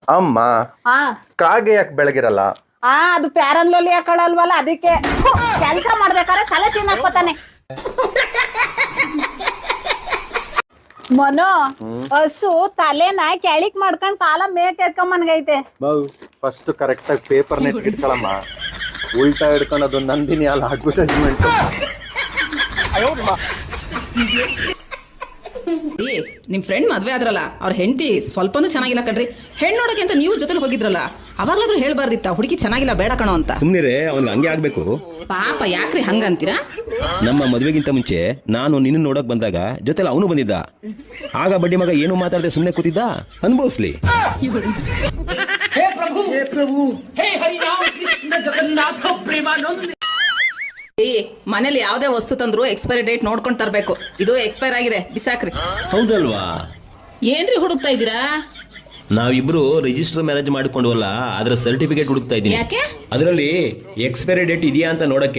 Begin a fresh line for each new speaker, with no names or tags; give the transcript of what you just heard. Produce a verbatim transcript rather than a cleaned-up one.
ಅಮ್ಮ
ಹಾ
ಕಾಗೆ ಯಾಕೆ ಬೆಳಗಿರಲ್ಲ?
ಆ ಅದು ಪ್ಯಾರನ್ ಲೋಲಿ ಹಾಕೊಳ್ಳಲ್ವಲ್ಲ ಅದಕ್ಕೆ ಕೆಲಸ ಮಾಡ್ಬೇಕಾದ್ರೆ ತಲೆ ತಿನ್ನಕ್ಕೋತಾನೆ. ಮನು ಹಸು ತಲೆನ ಕೆಳಿಕ್ ಮಾಡ್ಕೊಂಡ್ ಕಾಲ ಮೇಕ್ ಎತ್ಕೊಂಬನ್ಗೈತೆ.
ಫಸ್ಟ್ ಕರೆಕ್ಟ್ ಆಗಿ ಪೇಪರ್ ನೆಟ್ ಇಟ್ಕೊಳಮ್ಮ. ಉಲ್ಟಾ ಹಿಡ್ಕೊಂಡು ಅದು ನಂದಿನಿ ಅಲ್ಲ ಅಡ್ವರ್ಟೈಸ್ಮೆಂಟ್.
ನಿಮ್ ಫ್ರೆಂಡ್ ಮದ್ವೆ ಆದ್ರಲ್ಲ ಅವ್ರ ಹೆಂಡತಿ ಸ್ವಲ್ಪನೂ ಚೆನ್ನಾಗಿಲ್ಲ ಕಣ್ರಿ. ಹೆಣ್ಣು ನೋಡಕ್ಕೆ ಅಂತ ನೀವು ಜೊತೆಲಿ ಹೋಗಿದ್ರಲ್ಲ, ಅವಾಗ್ಲಾದ್ರೂ ಹೇಳ್ಬಾರ್ದಿತ್ತ ಹುಡುಗಿ ಚೆನ್ನಾಗಿಲ್ಲ ಬೇಡ ಕಣೋ ಅಂತ.
ಸುಮ್ನಿರೇ, ಅವ್ನಿಗೆ ಹಂಗೆ ಆಗ್ಬೇಕು.
ಪಾಪ ಯಾಕ್ರಿ ಹಂಗಂತೀರಾ?
ನಮ್ಮ ಮದ್ವೆಗಿಂತ ಮುಂಚೆ ನಾನು ನಿನ್ನ ನೋಡಕ್ ಬಂದಾಗ ಜೊತೆಲಿ ಅವನು ಬಂದಿದ್ದ. ಆಗ ಬಡ್ಡಿ ಮಗ ಏನು ಮಾತಾಡದೆ ಸುಮ್ನೆ ಕೂತಿದ್ದ. ಅನುಭವಿಸ್ಲಿ.
ಮನೇಲಿ ಯಾವ್ದೇ ವಸ್ತು ತಂದ್ರು ಎಕ್ಸ್ಪೈರಿ ಡೇಟ್ ನೋಡ್ಕೊಂಡ್ ತರ್ಬೇಕು. ಇದು ಎಕ್ಸ್ಪೈರ್ ಆಗಿದೆ, ಬಿಸಾಕ್ರಿ.
ಹೌದಲ್ವಾ?
ಏನ್ರಿ ಹುಡುಕ್ತಾ ಇದ್ದೀರಾ?
ನಾವಿಬ್ರು ರಿಜಿಸ್ಟರ್ ಮ್ಯಾರೇಜ್ ಮಾಡ್ಕೊಂಡ್ವಲ್ಲ, ಅದ್ರ ಸರ್ಟಿಫಿಕೇಟ್ ಹುಡುಕ್ತಾ ಇದ್ದೀನಿ.
ಯಾಕೆ?
ಅದರಲ್ಲಿ ಎಕ್ಸ್ಪೈರಿ ಡೇಟ್ ಇದೆಯಾ ಅಂತ ನೋಡಕ್ಕೆ.